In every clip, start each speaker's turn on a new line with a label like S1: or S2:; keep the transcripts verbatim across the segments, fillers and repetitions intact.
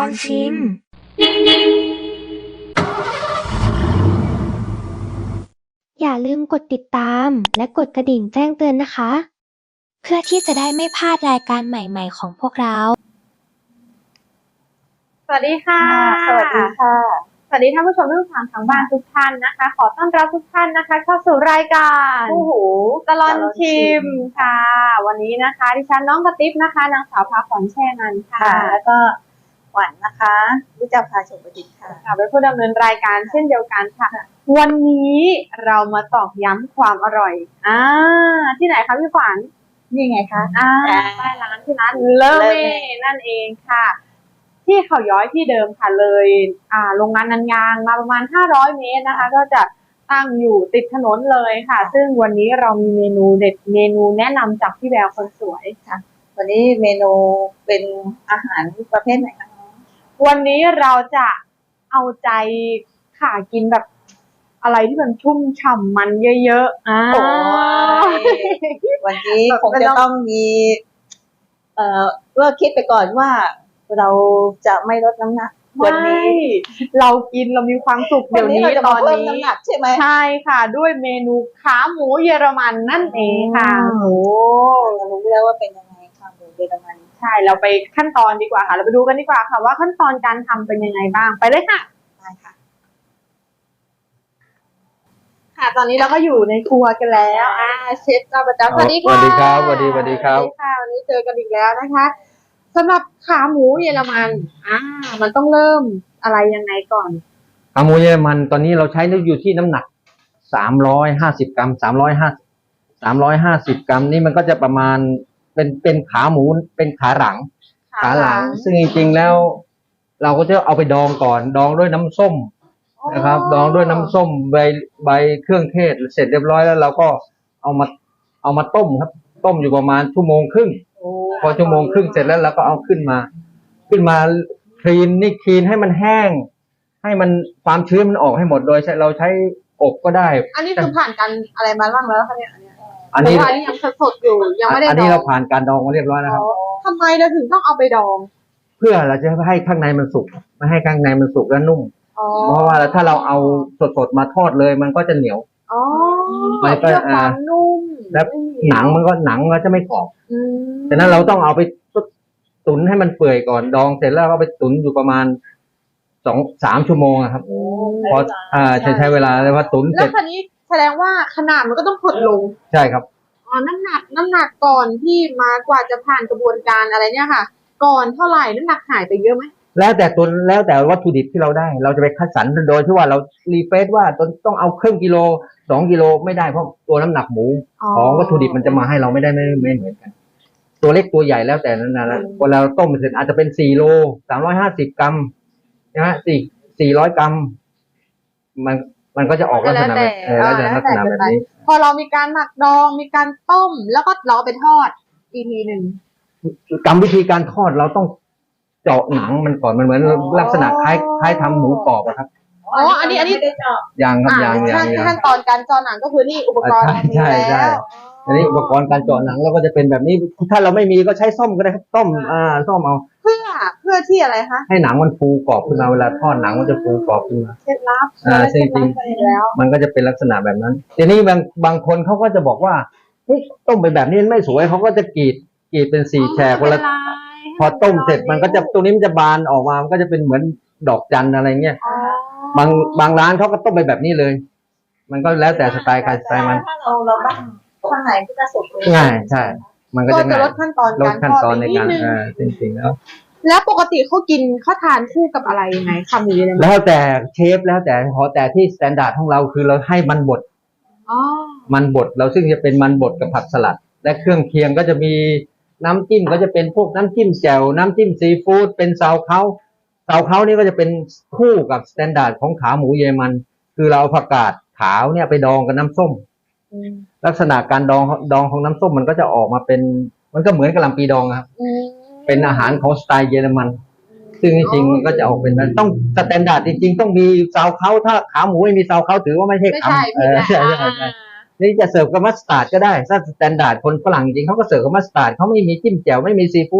S1: อนชิมอย่าลืมกดติดตามและกดกระดิ่งแจ้งเตือนนะคะเพื่อที่จะได้ไม่พลาดรายการใหม่ๆของพวกเรา
S2: สวัสดีค่ะ
S3: สวัสดีค่ะ
S2: สวัสดีท่านผู้ชมทุกท่านทางบ้านทุกท่านนะคะขอต้อนรับทุกท่านนะคะเข้าสู่รายการ
S3: โอ้โห
S2: ตลอดชิมค่ะวันนี้นะคะดิฉันน้องกระติ๊บนะคะนางสาวพาขวัญแช่นันค่ะ
S3: แล้วก็หวานนะคะรู้จักพาชมประดิษฐ์ค่ะ
S2: ค่ะเป็นผู้ดำเนินรายการเช่นเดียวกันค่ะวันนี้เรามาตอกย้ำความอร่อยอ่าที่ไหนคะพี่ขวัญ
S3: นี่ไงคะ
S2: อ่าใต้ร้านที่ร้านเลเม่นั่นเองค่ะที่เขาย้อยที่เดิมค่ะเลยอ่าโรงงานนันยางมาประมาณห้าร้อยเมตรนะคะก็จะตั้งอยู่ติดถนนเลยค่ะซึ่งวันนี้เรามีเมนูเด็ดเมนูแนะนำจากพี่แววคนสวย
S3: ค่ะวันนี้เมนูเป็นอาหารประเภทไหนคะ
S2: วันนี้เราจะเอาใจค่ะกินแบบอะไรที่มันชุ่มฉ่ำมันเยอะๆอ่า
S3: วันนี้คงจะต้องมีเอ่อเพื่อคิดไปก่อนว่าเราจะไม่ลดน้ำหนัก
S2: วันนี้เรากินเรามีความสุขเดี๋ยวนี้ตอนนี้
S3: ใช่ไหม
S2: ใช่ค่ะด้วยเมนูขาหมูเยอรมันนั่นเองค่ะ
S3: โอ้เรารู้แล้วว่าเป็นยังไงขาหมูเยอรมัน
S2: ใช่เราไปขั้นตอนดีกว่าค่ะเราไปดูกันดีกว่าค่ะว่าขั้นตอนการทำเป็นยังไงบ้างไปเลยค่ะ
S3: ได้ค่ะ
S2: ค่ะตอนนี้เราก็อยู่ในครัวกันแล้วอ่าเชฟเจ้าประจำสวัสดีค่ะ
S4: สวัสดีครับสวัสดีสวัสดีครับ
S2: ค่ะวันนี้เจอกันอีกแล้วนะคะสำหรับขาหมูเยอรมันอ่ามันต้องเริ่มอะไรยังไงก่อน
S4: ขาหมูเยอรมันตอนนี้เราใช้อยู่ที่น้ำหนักสามร้อยห้าสิบกรัมสามร้อยห้าสามร้อยห้าสิบกรัมนี่มันก็จะประมาณเป็นเป็นขาหมูเป็นขาหลังขาหลังซึ่งจริงๆแล้วเราก็จะเอาไปดองก่อนดองด้วยน้ำส้มนะครับดองด้วยน้ำส้มใบใบเครื่องเทศเสร็จเรียบร้อยแล้วเราก็เอามาเอามาต้มครับต้มอยู่ประมาณชั่วโมงครึ่งพอชั่วโมงครึ่งเสร็จแล้วเราก็เอาขึ้นมาขึ้นมาคลีนนี่คลีนให้มันแห้งให้มันความชื้นมันออกให้หมดโดยเราใช้อบก็ได้
S2: อันนี้คือผ่านการอะไรมาบ้างแล้วคะเนี่ยอันนี้
S4: อันนี้
S2: ยังสดอยู่ยังไม่ได้ดอง
S4: อันนี้เราผ่านการดองมาเรียบร้อยแล้วครับ
S2: ทำไมเราถึงต้องเอาไปดอง
S4: เพื่อเราจะให้ข้างในมันสุกไม่ให้ข้างในมันสุกและนุ่มเพราะว่าถ้าเราเอาสดๆมาทอดเลยมันก็จะเหนียว
S2: อ๋อ
S4: มันก็
S2: อ่านุ่ม
S4: แล้วหนังมันก็หนังก็จะไม่กรอบฉะนั้นเราต้องเอาไปตุ๋นให้มันเปื่อยก่อนดองเสร็จแล้วก็ไปตุ๋นอยู่ประมาณสองสามชั่วโมงครับพออ่าใช้ใช้เวลาแล้วพอตุ๋นเสร็จ
S2: แล้วคันนี้แสดงว่าขนาดมันก็ต้องหดลง
S4: ใช่ครับ
S2: อ๋อน้ำหนักน้ำหนักก่อนที่มากว่าจะผ่านกระบวนการอะไรเนี่ยค่ะก่อนเท่าไหร่น้ำหนักหายไปเยอะไหม
S4: แล้วแต่ตัวแล้วแต่วัตถุดิบที่เราได้เราจะไปคัดสรรโดยที่ว่าเรารีเฟซว่าต้องเอาครึ่งกิโลสองกิโลไม่ได้เพราะตัวน้ำหนักหมูของวัตถุดิบมันจะมาให้เราไม่ได้ไม่ไม่เหมือนกันตัวเล็กตัวใหญ่แล้วแต่นั้นนะพอเราต้มเสร็จอาจจะเป็นสี่โลสามร้อยห้าสิบกรัมนะฮะสี่สี่ร้อยกรัมมันมันก็จะออกลักษณะแบบเออลักษณะลักษณะแบบนี้
S2: พอเรามีการหมักดองมีการต้มแล้วก็เราไปทอดอีกทีหนึ่ง
S4: กรรมวิธีการทอดเราต้องเจาะหนังมันก่อนมันเหมือนลักษณะคล้ายคล้ายทำหมูกรอบอะครับ
S2: อ๋ออันนี้อันนี้
S4: อย่างครับอย่างอย่าง
S2: ขั้นตอนการเจาะหนังก็คือนี่อุปกรณ์
S4: ใช่ใช่อันนี้อุปกรณ์การเจาะหนังเราก็จะเป็นแบบนี้ถ้าเราไม่มีก็ใช้ส้อมก็ได้ครับต้มอ่าส้อมเอา
S2: เพื่อเพื่อที่อะไรคะ
S4: ให้หนังมันฟูกรอบขึ้นมาเวลาทอดหนังมันจะฟูกรอบขึ้นมา
S2: เคล็ดลับ
S4: อ่าจริงจริงมันก็จะเป็นลักษณะแบบนั้นทีนี้บางบางคนเขาก็จะบอกว่าเฮ้ยต้มไปแบบนี้ไม่สวยเขาก็จะกรีดกรีดเป็นสี่แฉกเวลาพอต้มเสร็จมันก็จะตรงนี้มันจะบานออกมามันก็จะเป็นเหมือนดอกจันอะไรเงี้ยบางบางร้านเขาก็ต้มไปแบบนี้เลยมันก็แล้วแต่สไตล์ใครสไตล์มัน
S3: ถ้าเราเราบ้างข้างในก็จะสุก
S4: ง่ายใช่มันก็จะง่าย
S2: ลดขั้นตอน
S4: ลดขั้นตอนในการอ่าจริงๆแล้ว
S2: แล้วปกติเขากินเขาทานคู่กับอะไรยังไงขาหมูเลย
S4: แล้วแต่เชฟแล้วแต่ขอแต่ที่สแตนดาร์ดของเราคือเราให้มันบดมันบดเราซึ่งจะเป็นมันบดกับผักสลัดและเครื่องเคียงก็จะมีน้ำจิ้มก็จะเป็นพวกน้ำจิ้มแจ่วน้ำจิ้มซีฟู้ดเป็นซาวเค้าซาวเค้านี่ก็จะเป็นคู่กับสแตนดาร์ดของขาหมูเยอรมันคือเราเอาผักกาดขาวเนี่ยไปดองกับน้ำส้มลักษณะการดองดองของน้ำส้มมันก็จะออกมาเป็นมันก็เหมือนกะหล่ำปีดองครับเป็นอาหารของสไตล์เยอรมันซึ่งจริงๆมันก็จะออกเป็นต้องสแตนดาร์ดจริงๆต้องมีซาวเค้าถ้าขาหมูไม่มีซาวเค้าถือว่าไม่ใช่ขาเออใช่ใช่ใช่นี่จะเสิร์ฟกับมัสตาร์ดก็ได้ถ้าสแตนดาร์ดคนฝรั่งจริงเขาก็เสิร์ฟกับมัสตาร์ดเขาไม่มีจิ้มแจ่วไม่มีซีฟู้ดแ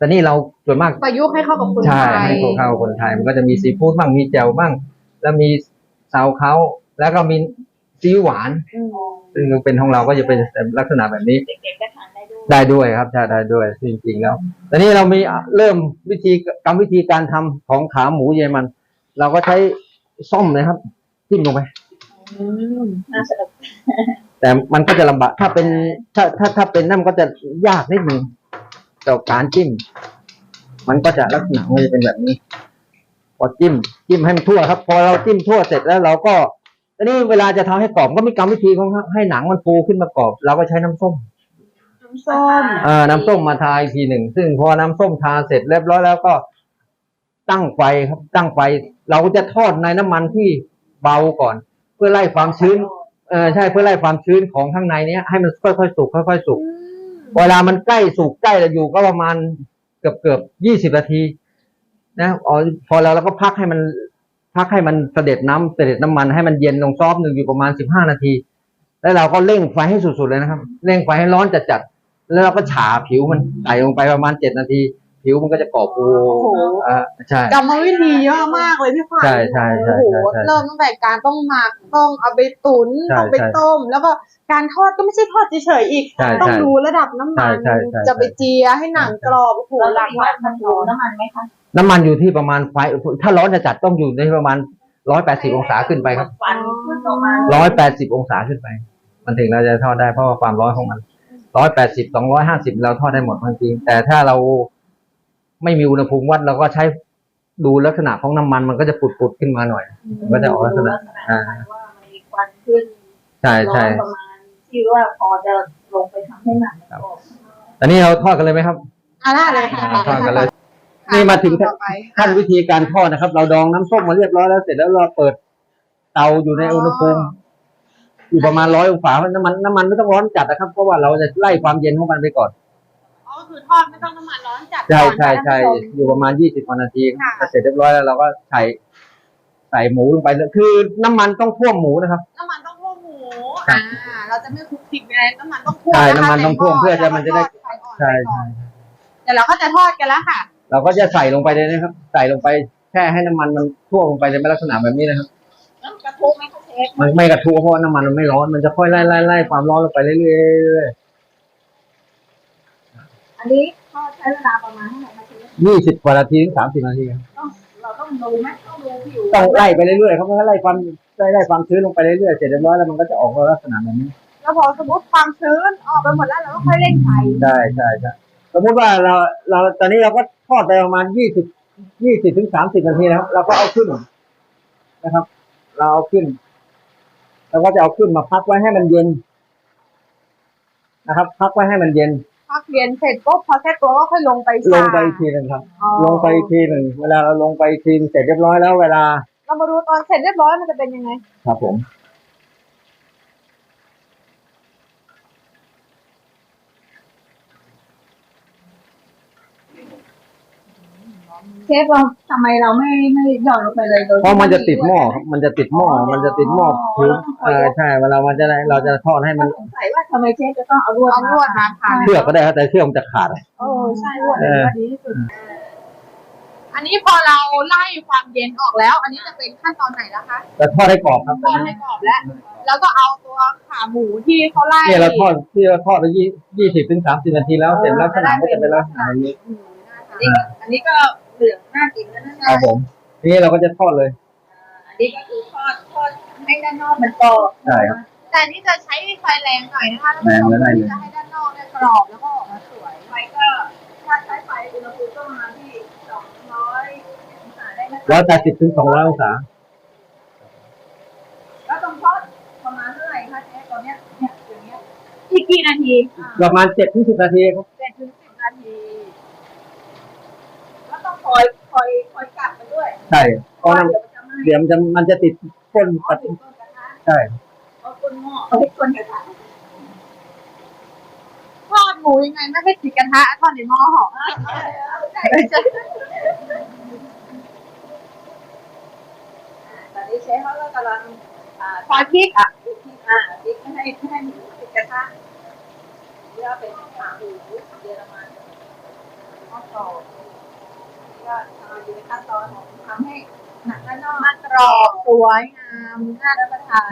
S4: แต่นี่เราส่วนมาก
S2: ประยุกต์ให้เข้ากับคน
S4: ใช่
S2: ไทย
S4: ให้พวกเข้าคนไทยมันก็จะมีซีฟู้ดบ้างมีแจ่วบ้างแล้วมีซาวเขาแล้วก็มีซีอิ๊วหวาน
S2: อืม
S4: ซึ่งเป็นของเราก็จะเป็นลักษณะแบบนี้
S3: เด็กๆก็ทานได้ด้วย
S4: ได้ด้วยครับใช่ได้ด้วยจริงๆแล้วตอนนี้เรามีเริ่มวิธีกรรมวิธีการทำของขาหมูเยอรมัน เราก็ใช้ส้อมนะครับจิ้มลงไป
S2: อืม
S3: น่าสนุก
S4: แต่มันก็จะลำบากถ้าเป็นถ้าถ้าถ้าเป็นนั่นมันก็จะยากนิดนึงต่อการจิ้ม มันก็จะลักษณะมันจะเป็นแบบนี้ พอจิ้มจิ้มให้มันทั่วครับ พอเราจิ้มทั่วเสร็จแล้วเราก็ตอนนี้เวลาจะทำให้กรอบก็มีกรรมวิธีของให้หนังมันฟูขึ้นมากรอบเราก็ใช้น้ำส้ม
S2: น้ำส้ม
S4: เอ่อน้ำส้มมาทาอีกทีหนึ่งซึ่งพอน้ำส้มทาเสร็จเรียบร้อยแล้วก็ตั้งไฟครับ ตั้งไฟ เราก็จะทอดในน้ำมันที่เบาก่อน เพื่อไล่ความชื้นเออใช่เพื่อไล่ความชื้นของข้างในเนี้ยให้มันค่อยๆสุกค่อยๆสุก เวลามันใกล้สุกใกล้จะอยู่ก็ประมาณเกือบเกือบยี่สิบนาทีนะอ๋อพอแล้วเราก็พักให้มัน พักให้มันเสด็จน้ำเสด็จน้ำมันให้มันเย็นลงซอฟต์หนึ่งอยู่ประมาณสิบห้านาที แล้วเราก็เร่งไฟให้สุดๆเลยนะครับเร่งไฟให้ร้อนจัดๆแล้วเราก็ฉาผิวมันใส่ลงไปประมาณเจ็ดนาที ผิวมันก็จะกรอบฟู
S2: โอ้โห
S4: อ่าใช่
S2: กรรมวิธีเยอะมากเลยพี่ขวัญ
S4: ใช่ใช่ใช่
S2: โอ้โห
S4: ใช่
S2: เริ่มตั้งแต่การต้องหมักต้องเอาไปตุ๋น
S4: ใช่
S2: ต้องไป
S4: ใช่
S2: ต้ม แล้วก็การทอดก็ไม่ใช่ทอดเฉยๆอีก
S4: ใช่
S2: ต้อง
S4: ใช่
S2: ดูระดับน้ำมัน
S4: ใช่ใช่ใช่
S2: จะไปเจียให้หนังกรอบโอ้โห
S3: เรา
S2: ห
S3: ต้อ
S2: ลาง กหลาย
S3: มี
S2: ขั้
S3: ขั้
S2: น
S3: น
S2: ต
S3: ต
S2: อ
S3: อน นน้ำมันไหมคะ
S4: น้ำมันอยู่ที่ประมาณไฟถ้าร้อนจัดๆต้องอยู่ในประมาณร้อยแปดสิบองศาขึ้นไปครับ
S3: ฟันขึ้นออกมา
S4: ร้อยแปดสิบองศาขึ้นไป มันถึงเราจะทอดได้เพราะว่าความร้อนของมันร้อยแปดสิบสองร้อยห้าสิบเราทอดได้หมดจริงๆแต่ถ้าเราไม่มีอุณหภูมิวัดเราก็ใช้ดูลักษณะของน้ำมันมันก็จะปุดๆขึ้นมาหน่อยมันก็จะออกลักษณะ อ่า
S3: ว่ามันมีควันขึ้น
S4: ใช่
S3: ร้อ
S4: ใช่
S3: นประมาณที่ว่าพอจะลงไปทำให้หนังมันกรอบ
S4: ตอนนี้เราทอดกันเลยไหมครับ
S2: อ่ะได้เลยค่ะ
S4: อ่าทอดกันเลย นี่มาถึง
S2: ต่อไป
S4: ขั้นวิธีการทอดนะครับ เราดองน้ำส้มมาเรียบร้อยแล้วเสร็จแล้วเราเปิดเตาอยู่ในอุณหภูมิอยู่ประมาณร้อยองศาน้ำมันน้ำมันไม่ต้องร้อนจัดนะครับเพราะว่าเราจะไล่ความเย็นของมันไปก่อน
S2: อ๋อคือทอดไม่ต้องน้ำมันร้อนจัด
S4: ใช่
S2: ก่อน
S4: ใช่ใช่
S2: ท่านผู้ชม
S4: อยู่ประมาณยี่สิบนาที
S2: ค่ะ
S4: ก็เสร็จเรียบร้อยแล้วเราก็ใส่ใส่หมูลงไปเลยคือน้ำมันต้องท่วมหมูนะครับ
S2: น้ำมันต้องท่วมหมู อ่า เราจะไม่คลุกคลิกอะไรน้ำมันต้องท่วม
S4: ใช่
S2: ะคะ
S4: น้ำมันต้องท่วม
S2: ใ
S4: เพื่อจะมันจะได้
S2: แล้วก็ทอฟอ่อน
S4: ใช่
S2: ไปก่
S4: ใช่
S2: อนเดี๋ยวเราก็จะทอดกันแล้วค่ะ
S4: เราก็จะใส่ลงไปเลยนะครับ ใส่ลงไปแค่ให้น้ำมันมันท่วมลงไปในลักษณะแบบนี้นะครับ
S3: แล้วกระทุกไหมคะเชฟ
S4: มันไม่กระทุเพราะว่าน้ำมันมันไม่ร้อนมันจะค่อยไล่ไล่ไล่ความร้อนลงไปเรื่อยๆเรื่อย
S3: อันนี้ทอดใช้เวลาประมาณเท่าไหร่คะเชฟ
S4: ๆยี่สิบกว่านาทีถึงสามสิบนาทีครับ
S3: ต้องเราต้องดูไหมต้องดูผิว
S4: ต้องไล่ไปเรื่อยๆครับเพราะว่าไล่ความไล่ไล่ความชื้นลงไปเรื่อยๆเสร็จเรียบร้อยแล้วมันก็จะออกมาลักษณะแบบนี้
S2: แล้วพอสมมติความชื้นออกไปหมดแล้วเราก็ค่อยเร่งไฟ
S4: ใช่ใช่ใช่สมมติว่าเราเราตอนนี้เราก็ทอดไปประมาณยี่สิบยี่สิบถึงสามสิบนาทีนะครับ เราก็เอาขึ้นนะครับ เราเอาขึ้นเราก็จะเอาขึ้นมาพักไว้ให้มันเย็นนะครับ พักไว้ให้มันเย็น
S2: พักเรียนเสร็จปุ๊บพอแค่ตัวก็ค่อยลงไป
S4: ล
S2: ชาง
S4: ไปอีกทีหนึ่งครับ
S2: อ๋อ
S4: ลงไปอีกทีหนึ่งเวลาเราลงไปอีกทีเสร็จเรียบร้อยแล้วเวลา
S2: เรามาดูตอนเสร็จเรียบร้อยมันจะเป็นยังไง
S4: ครับผม
S3: เชฟเราทำไมเราไม่ไม่หย่อนลงไปเลยโดย
S4: เพราะมันจะติดหม้อครับมันจะติดหม้อมันจะติดหม้อคือเออใช่เวลามันจะได้เราจะทอดให้มัน
S3: สงสัยว่าทำไมเชฟจะต้องเอาลวด
S2: เอาลวดมาพัน
S4: เชือกก็ได้ครับแต่เชือกมันจะขาด
S2: โอ้ใช่ลวดเลยว่าดีที่สุด อันนี้พอเราไล่ความเย็นออกแล้ว อันนี้จะเป็นขั้นตอนไหนแล้วคะ
S4: แต่ทอดให้กรอบครับ
S2: ทอดให้กรอบแล้ว แล้วก็เอาตัวขาหมูที่เขาไล่
S4: เนี่ยเราทอดที่เราทอดไปยี่ยี่สิบถึงสามสิบนาทีแล้วเสร็จลักษณะก็จะเป็นลักษณะแบบนี้
S2: อืมน่าทาน
S3: อันนี้ก็อันนี้ก็เหลืองน่ากินแล้วนะ
S4: ครับผมทีนี้เราก็จะทอดเลย
S3: อันนี้ก็คือทอดทอดให้ด้านนอกมันกรอบ
S4: ใช่ครับ
S2: แต่อันนี่จะใช้ไฟแรงหน่อยนะคะท่านผู้ชม
S4: แรง
S2: เพื่อที่จะให้ด้านนอกเนี่ยกรอบแล้วก็ออกมาสวย
S3: ไฟก็ถ้าใช้ไฟอุณหภูมิก็ประมาณที่สองร้อยองศาได้ไหม
S4: ร้อยแปดสิบถึงสองร้อยองศา
S3: แล้วต้องทอดประมาณเท่าไหร่คะเชฟตอนเนี้ยเนี่ยอย่างเงี้ย
S2: อีกกี่นาที
S4: ประมาณเจ็ดถึงสิบนาทีครับ
S2: เจ็ดถึงสิบนาที
S3: แล้วต้องคอยคอยคอยกลับมันด้วย
S4: ใช่เพ
S3: เพ
S4: ราะ
S3: ราะ
S4: น้
S3: เดี๋ยวมันจะไหม้
S4: ำเดี๋ยวมันจะมันจะติดก้น
S3: อ๋อ
S4: ปัด
S3: ถึงต้นกระทะ
S4: ใช่
S3: เอาก้นหม้อเอาให้ก้นกระทะ
S2: ทอดหมูยังไงไม่ให้ติดกระทะทอดในหม้อหอม
S3: ใช่ใช่ตอนนี้เชฟเขาก็กำลังอ่า
S2: ซอยพริกอ่ะ
S3: พริกอ่าพริกไม่ให้ไม่ให้หมูติดกระทะนี่ก็เป็นขาหมูเยอรมัน
S2: พ
S3: อดกรอบก็ทำอยู่ในขั้นตอนของทำให้หนังด้านนอก
S2: กรอบสวยงามน่ารับประทาน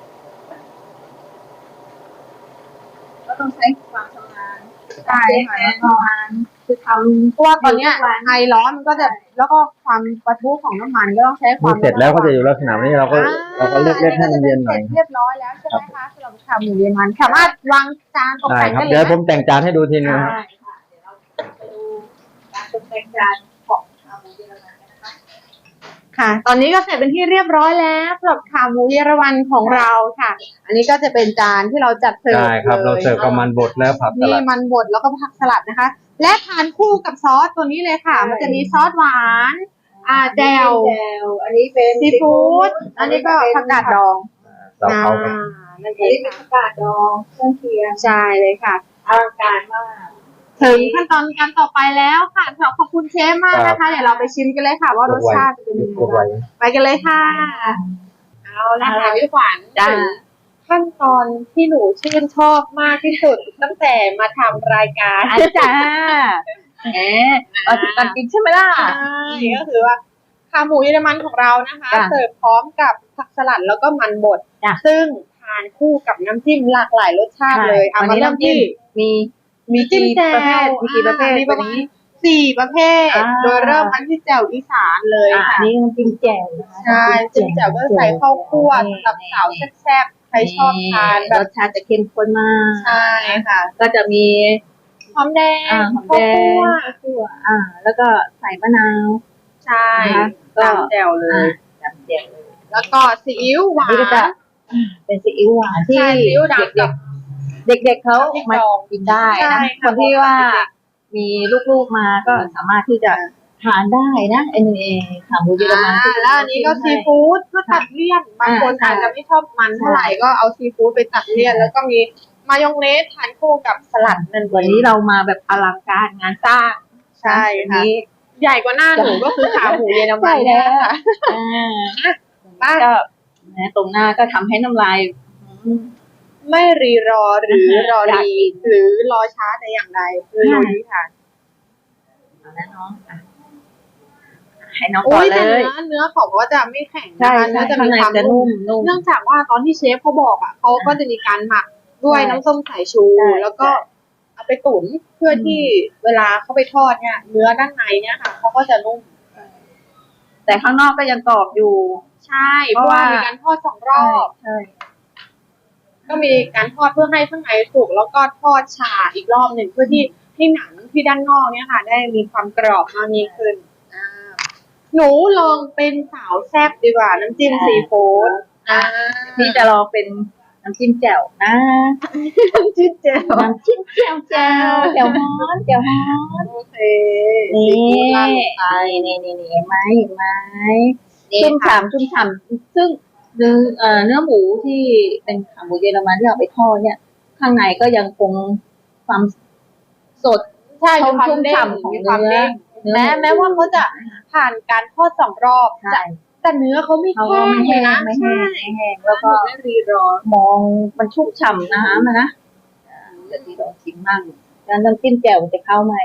S3: ก็ต้องใช้ความชำนาญ
S2: ใช่ค่ะ
S3: แน่นอนคือทำ
S2: เพราะว่าตอนเนี้ยไอร้อนมันก็จะแล้วก็ความปะทุของน้ำมันก็ต้องใช้ความ
S4: เสร็จแล้วก็จะอยู่ลักษณะนี้เราก็เราก็เลือกเลือกให้มันเย็นหน่อย
S2: เรียบร้อยแล้วใช่ไหมคะสำหรับขาหมูเยอรมันสามารถวางจานตก
S4: ได้
S2: แต่ง
S4: ครับ
S2: ได้เล
S4: เดี๋ย
S2: ยว
S4: ผมแต่งจานให้ดูทีนึงครับ
S3: ได้ค่ะเดี๋ยวเราไปดูการตกแต่งจานของขาหมูเยอรมันกันนะคะ
S2: ค่ะ ตอนนี้ก็เสร็จเป็นที่เรียบร้อยแล้วสำหรับขาหมูเยอรมันของเราค่ะ อันนี้ก็จะเป็นจานที่เราจัดเสิร์ฟ
S4: ได้ครับ
S2: ลย
S4: เราเสิร์ฟกับมันบดแล้วผักส
S2: นี่
S4: ลัด
S2: มันบดแล้วก็ผักสลัดนะคะ และทานคู่กับซอสตัวนี้เลยค่ะ มันจะมีซอสหวาน อ่าแจ่ว
S3: แจวอันนี้เป็น
S2: ซีฟู้ดอันนี้ก็ผักกาดดอง
S4: เราเขา
S2: อ่านั่นเอ
S3: อัน
S2: ง
S3: นี้เป็นผักกาดดองเครื่องเคียง
S2: ใช่เลยค่ะ
S3: อลังการมาก
S2: ถึงขั้นตอนการต่อไปแล้วค่ะขอบคุณเชฟมากนะคะ เดี๋ยวเราไปชิมกันเลยค่ะ ว่ารสชาติจะเป็นยังไง
S4: ยกไว้
S2: บ้างไปกันเลยค่ะ เอาละค่ะพี่ขวัญ
S3: จ้า
S2: ถึงขั้นตอนที่หนูชื่นชอบมากที่สุดตั้งแต่มาทำรายการ
S3: อาจารย์แหมมาถึงการกินใช่ไหมล่ะ
S2: ใช่ก็คือว่าขาหมูเยอรมันของเรานะคะ
S3: จ้ะ
S2: เสิร์ฟพร้อมกับผักสลัดแล้วก็มันบด
S3: จ้ะ
S2: ซึ่งทานคู่กับน้ำจิ้มหลากหลายรสชาติเลยเอา
S3: วัน
S2: มา
S3: นี้
S2: เริ่ม
S3: น้ำจิ้
S2: ที่
S3: มมี
S2: มีจิ้มแจ่ว
S3: ประเภทมีกี่ประเภท
S2: มีประ
S3: วัน
S2: มาณ
S3: นี้
S2: สี่ประเภท
S3: อ่า
S2: โดยเริ่มกันที่แจ่วอีสานเลย
S3: อ่ะอั
S2: ค่ะ
S3: นนี้น้ำจิ้มแจ่วนะคะ
S2: ใช่จิ้มแจ่วก็ใส่ข้าวคั่วสำหรับสาวแซ่บๆใครชอบทานแบ
S3: ร
S2: บ
S3: สชาติจะเข้มข้นมาก
S2: ใช่ค่ะ
S3: ก็จะมี
S2: หอมแดง
S3: อ่าหอม
S2: ข้า
S3: แด
S2: ว
S3: ง
S2: คั่ว
S3: ข้าวคั่วอ่า แล้วก็ใส่มะนาว
S2: ใช่
S3: นะคะก็
S2: ตามแจ่วเล
S3: อ่าย จำแจ่วเลย
S2: แล้วก็ซีอิ๊วหวา
S3: นี่ก็จะ
S2: น
S3: เป็นซีอิ๊วหวานที่
S2: ใช่ซีอิ๊วดำ
S3: เด็
S2: กั
S3: ก
S2: บ
S3: ๆเด็กๆเขา
S2: พริก
S3: มา
S2: ดอง
S3: กินได้
S2: ใช่
S3: นะ
S2: ค่ะ
S3: คนที่ว่า
S2: เด็ก
S3: มีลูกๆมาก็สามารถที่จะทานได้นะเอ็นเอขาหมูเยอรมันที่
S2: อ่าแล้วอันนี้ก็ซีฟู้ดเพื่อตัดเลี่ยนบางคน
S3: อ่า
S2: อาจจะไม่ชอบมันเท่าไหร่ก็เอาซีฟู้ดไปตัดเลี่ยน แล้วก็มีมายองเนสทานคู่กับสลัดนั่นเอง
S3: วันนี้เรามาแบบอลังการงานสร้าง
S2: ใช่
S3: วัน
S2: ค่ะ
S3: นี้
S2: ใหญ่กว่าหน้าหนูก็คือขาหมูเยอรมัน
S3: ใช่แล้ว
S2: ค่ะ
S3: อ่า
S2: ป้า
S3: ก็นะตรงหน้าก็ทำให้น้ำลายอืม
S2: ไม่รีรอหรือรอ
S3: อยาก
S2: รี
S3: กิน
S2: หรือรอช้าแต่อย่างใดคือ
S3: ค่ะ
S2: ลุยค่ะ
S3: เอาละน้องอ่ะให้น้อง
S2: โอ้
S3: ก่อน
S2: ย
S3: เล
S2: แต่เนื้
S3: ย
S2: อเนื้อเขาก็จะไม่แข็ง
S3: ใช่
S2: นะคะ
S3: ใช่
S2: เนื้อจะ
S3: ข้าง
S2: มี
S3: ใน
S2: ความ
S3: จะ
S2: นุ่
S3: นุ่
S2: ม
S3: มนุ่ม
S2: เนื่องจากว่าตอนที่เชฟเขาบอกอ่ะเขาก็จะมีการหมักด้วย
S3: ใช่
S2: น้ำส้มสายชู
S3: ใช่
S2: แล้วก็เอาไปตุ๋นเพื่อที่เวลาเขาไปทอดเนี่ย เนื้อด้านในเนี่ยค่ะเขาก็จะนุ่ม
S3: แต่ข้างนอกก็ยังกรอบอยู่
S2: ใช่
S3: เพ
S2: เพ
S3: ราะ
S2: ราะว่า
S3: ว่ามี
S2: มีการทอดสองรอบ
S3: ใช่
S2: ก็มีการทอดเพื่อให้ข้างในสุกแล้วก็ทอดฉ่าอีกรอบหนึ่งเพื่อที่ที่หนังที่ด้านนอกเนี่ยค่ะ ได้มีความกรอบมากยิ่งขึ้นอ่าหนูลองเป็นสาวแซ่บดีกว่าน้ำจิ้มซีฟู้ดอ่า
S3: พี่จะลองเป็นน้ำจิ้มแจ่วนะ
S2: น้ำจิ้มแจ่ว
S3: น้ำจิ้มแจ่วแจ่วแจ่วฮ้อนแจ่วฮ้อน
S2: โอเค
S3: นี่
S2: ซีฟู้ดราดลงไป
S3: นี่นี่นี่เห็นไหมเห็นไหม
S2: นี่
S3: ชุ่ม
S2: ค่ะ
S3: ฉ่ำชุ่มฉ่ำซึ่งเนื้อเอ่อเนื้อหมูที่เป็นขาหมูเยอรมันที่เราไปทอดเนี่ย ข้างในก็ยังคงความสด
S2: ใช่มีความ
S3: ชุ่ม
S2: เด้ง
S3: ฉ่ำของ
S2: มีความ
S3: เนื้อ
S2: เด้งแม้แม้ว่าเขาจะผ่านการทอดสองรอบ
S3: ใช่
S2: จะแต่เนื้อเขาไม่
S3: เขา
S2: แห้
S3: ก็
S2: ง
S3: ไม่
S2: เล
S3: แห้
S2: ย
S3: ง
S2: นะ
S3: ไม่
S2: ใช่
S3: แห้งไม่แห้งแล้วก็
S2: ไม่รีรอ
S3: มองมันชุ่มฉ่ำน้ำอะนะอ่าเดี๋ยวที่ลองชิมมั่งแล้วน้ำจิ้มแจ่วมันจะเข้าไหม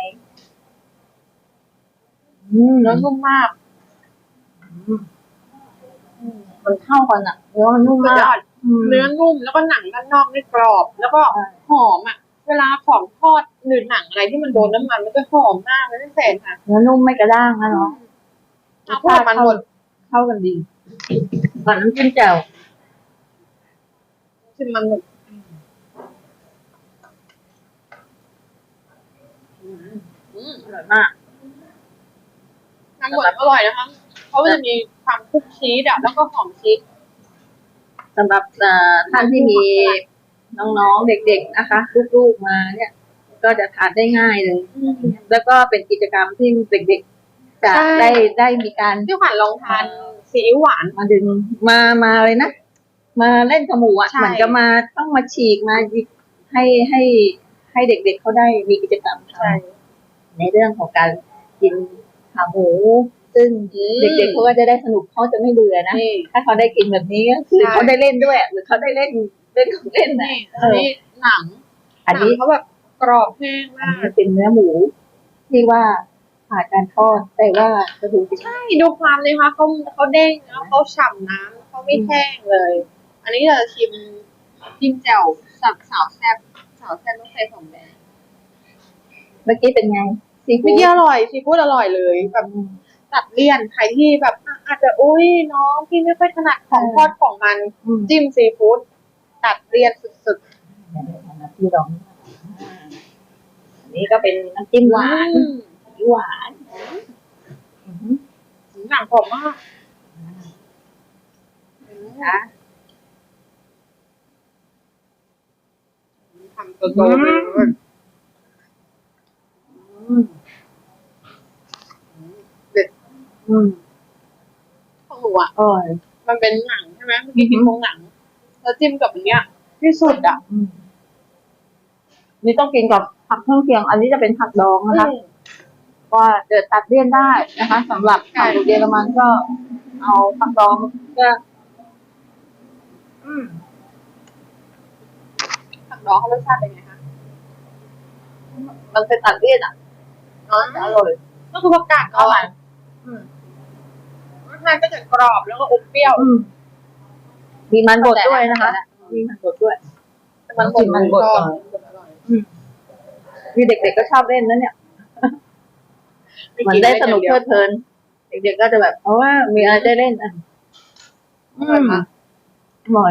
S3: อืม
S2: เนื้อนุ่มมาก
S3: มันเข้ากันอ่ะเนื้อมันนุ่ม
S2: สุด
S3: มาย
S2: อก ด
S3: ม
S2: เนื้อนุ่มแล้วก็หนังด้านนอกนี่กรอบ แล้วก็
S3: ใช่
S2: หอมอ่ะ เวลาของทอดหรือหนังอะไรที่มันโดนน้ำมันมันจะหอมมากเลยพี่เศษค่ะ
S3: เนื้อนุ่มไม่กระด้างนะเนาะ
S2: เอาพวกมันหมด
S3: เข้ากันดีก่อนน้ำจิ้มแจ่ว
S2: ชิมมันหมดอืม
S3: อร่อยมาก
S2: มันหมดอร่อยนะคะเพราะมันจะมีความคลุกชีสอ่ะแล้วก็หอมชีส
S3: สำหรับเอ่อท่านที่มีน้องๆเด็กๆนะคะลูกๆมาเนี่ย ก็จะทานได้ง่ายเลย แล้วก็เป็นกิจกรรมที่เด็กๆจะ
S2: ใช่
S3: ได้ได้มีการ
S2: พี่ขวัญลองทานซีอิ๊วหวาน
S3: มาดึงมามาเลยนะ มาเล่นขมูอ่ะ
S2: ใช่
S3: เหมือนกับมาต้องมาฉีกมาหยิบให้ให้ให้เด็กๆเขาได้มีกิจกรรมทำในเรื่องของการกินขาหมู ซึ่งเด็กๆเขาก็จะได้สนุกเขาจะไม่เบื่อนะ
S2: นี่
S3: ถ้าเขาได้กินแบบนี้ก็คือ
S2: ใช่
S3: เขาได้เล่นด้วยหรือเขาได้เล่นเล่นของเล่นนะ
S2: นี่อันนี้หนัง
S3: อันนี้
S2: หงเขาแบบกรอบแห้ง
S3: อั
S2: มาน ก
S3: นี้เป็นเนื้อหมูที่ว่าผ่านการทอดแต่ว่ากระดูก
S2: ใช่ดูความเลยค่ะเขาเขาเด้งแล้วเขาฉ่ำน้ำเขาไม่แห้งเลย อันนี้เราจะชิมจิ้มแจ่วสับสาวแซ่บสาวแซ่บต้องใส่สองแบบ
S3: เมื่อกี้เป็นไงซีฟู้
S2: เมื่อ
S3: ด
S2: กี้อร่อยซีฟู้ดอร่อยเลยแบบตัดเลี่ยนใครที่แบบอ่ะอาจจะอุ้ยน้องพี่ไม่ค่อยถนัดของทอดของมัน
S3: อืม
S2: จิ้มซีฟู้ดตัดเลี่ยนสุด
S3: ที่ลองอันนี้ก็เป็นน้ำจิ้ม
S2: ๆ
S3: หวาน
S2: อืม
S3: หวานอือหือ
S2: หนังกรอบมาก
S3: นะ
S2: ทำตัวโตไปเลย
S3: อืม
S2: เด็ด
S3: อืม
S2: ของหนูอ่ะ
S3: อร่อย
S2: มันเป็นหนังใช่ไหมเมื่อกี้กินตรงหนังแล้วจิ้มกับอันเนี้ยที่สุดอ่ะ
S3: อืมนี่ต้องกินกับผักเครื่องเคียง อันนี้จะเป็นผักดองนะคะ
S2: อืม
S3: ว่าเดือดตัดเลี่ยนได้นะคะสำหรับ
S2: ใช่
S3: ผักเยอรมันก็เอาผักดองก็อืม
S2: ผักดองเขารสชาติเป็นไงคะ
S3: มันเป็นตัดเลี่ยนอ่ะ
S2: อ๋อ
S3: อร่อย
S2: ก็คือผักกาดอ่อนอืมรสชาติก็จะกรอบแล้วก็อมเปรี้ยว
S3: อืมมีมันบดด้วยนะคะมีมันบดด้วย
S2: แต่มันบด
S3: มันบด
S2: ช
S3: ก่
S2: อ
S3: อน
S2: บอร่อย
S3: มีเด็กๆก็ชอบเล่นนะเนี่ยเหมือนได้สนุกเพลิดเพลิน เด็กๆก็จะแบบเพราะว่ามีอะไรได้เล่นอ่ะ
S2: อร่อยมาก
S3: อร่อย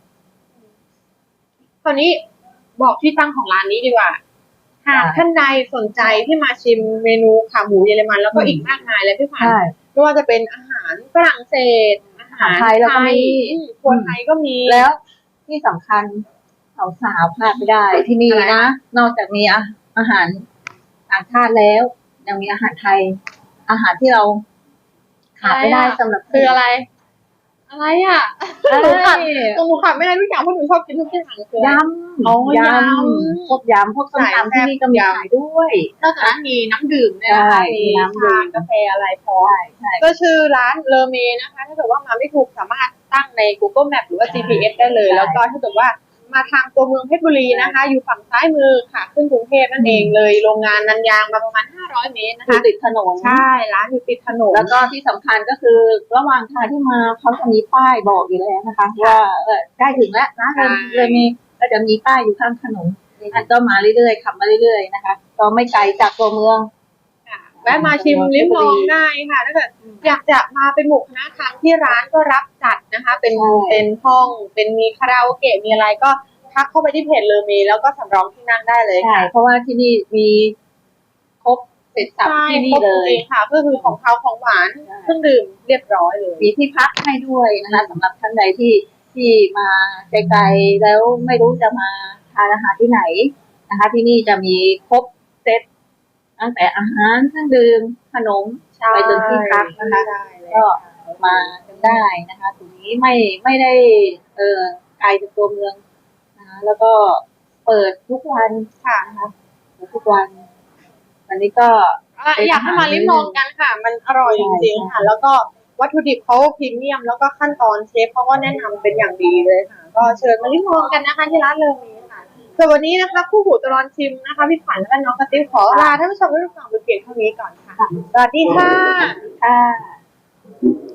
S2: คราวนี้บอกที่ตั้งของร้านนี้ดีกว่า หากท่านใดสนใจที่มาชิมเมนูขาหมูเยอรมันแล้วก็อีกมากมายเลยพี่ฝัน
S3: ใช่
S2: ไม่ว่าจะเป็นอาหารฝรั่งเศส อาหาร
S3: ไทยแล้วก็มี
S2: อืมครัวไทยก็มี
S3: แล้วที่สำคัญสาวๆพลาดไม่ได้ที่นี่
S2: อะไร
S3: นะ
S2: คะ
S3: นอกจากมีอาอาหารต่างชาติแล้ว ยังมีอาหารไทย อาหารที่เราขาดไม่ได้สำหรับ
S2: คืออะไร อะไรอ่ะ
S3: เอ้ย
S2: หนูขาดหนูขาดไม่ได้ทุกอย่างเพราะหนูชอบกินทุกอย่างคืออะไร
S3: ย
S2: อ๋อ
S3: ำ
S2: ย
S3: ย
S2: ำ
S3: ำพวกยำพวกส้ม
S2: สาย
S3: ตำที่นี่ก็มี
S2: แซ่บยำ
S3: ขายด้วย
S2: นอกจากนั้นมีน้ำดื่มเนี่ยนะคะ
S3: ใช่
S2: มี
S3: น้ำดื่
S2: ชาม กาแฟอะไรพร้อม
S3: ใช่ใช่
S2: ก็ชื่อร้านเลอเมนะคะ ถ้าเกิดว่ามาไม่ถูกสามารถตั้งใน Google Map หรือว่า จี พี เอส ได้เลย
S3: ใช่
S2: แล้วก็ถ้าเกิดว่ามาทางตัวเมืองเพชรบุรีนะคะ อยู่ฝั่งซ้ายมือค่ะ ขึ้นกรุงเทพนั่นเองเลย โรงงานนันยางมาประมาณห้าร้อยเมตรนะ
S3: อยู่
S2: คะ
S3: ติดถนน
S2: ใช่ ร้านอยู่ติดถนน
S3: แล้วก็ที่สำคัญก็คือระหว่างทางที่มาเขาจะมีป้ายบอกอยู่แล้วนะคะ ว่าเออใกล้ถึงแล้วนะ
S2: ใช่
S3: เลยมีก็จะมีป้ายอยู่ข้างถนนอันก็มาเรื่อยๆขับมาเรื่อยๆนะคะ ก็ไม่ไกลจากตัวเมือง
S2: ค่ะแวะมาชิมลิ้มลองได้ค่ะถ้าเกิดอยากจะมาเป็นหมู่คณะทางที่ร้านก็รับจัดนะคะ เป็น
S3: ใช่
S2: เป็นห้องเป็นมีคาราโอเกะมีอะไรก็ทักเข้าไปที่เพจเลอเมแล้วก็สำรองที่นั่งได้เลย
S3: ใช่
S2: ค่ะ
S3: เพราะว่าที่นี่มีครบเสร็จสับ
S2: ใช่
S3: ที่
S2: ค
S3: นี่
S2: รบ
S3: เล
S2: จ
S3: ย
S2: ริงๆค่ะก็คือของเขาของหวาน
S3: ใช่
S2: เครื่องดื่มเรียบร้อยเลย
S3: มีที่พักให้ด้วยนะคะสำหรับท่านใดที่ที่มาไกลๆแล้วไม่รู้จะมาทานอาหารที่ไหนนะคะ ที่นี่จะมีครบเซตตั้งแต่อาหารเครื่องดื่มขนม
S2: ใช่
S3: ไปจนที่พักนะคะ
S2: ใช่เลย
S3: ก็มากันได้นะคะตรงนี้ไม่ไม่ได้เออไกลจากตัวเมืองนะคะแล้วก็เปิดทุกวัน
S2: ค่ะ
S3: นะคะเปิดทุกวันวันนี้ก็
S2: อ่ะอยากให้มาลิ้มลองกันค่ะ มันอร่อยจริงๆค่ะ แล้วก็วัตถุดิบเขาพรีเมียม แล้วก็ขั้นตอนเชฟเขาก็แนะนำเป็นอย่างดีเลยค่ะ ก็เชิญมาลิ้มลองกันนะคะที่ร้านเลอเมค่ะส่วนวันนี้นะคะคู่หูตลอดชิมนะคะพี่ขวัญและน้องกระติ๊บขอลาท่านผู้ชมทุกท่านไปเพียงเท่านี้ก่อนค่ะสวัสดีค่ะ
S3: ค่ะ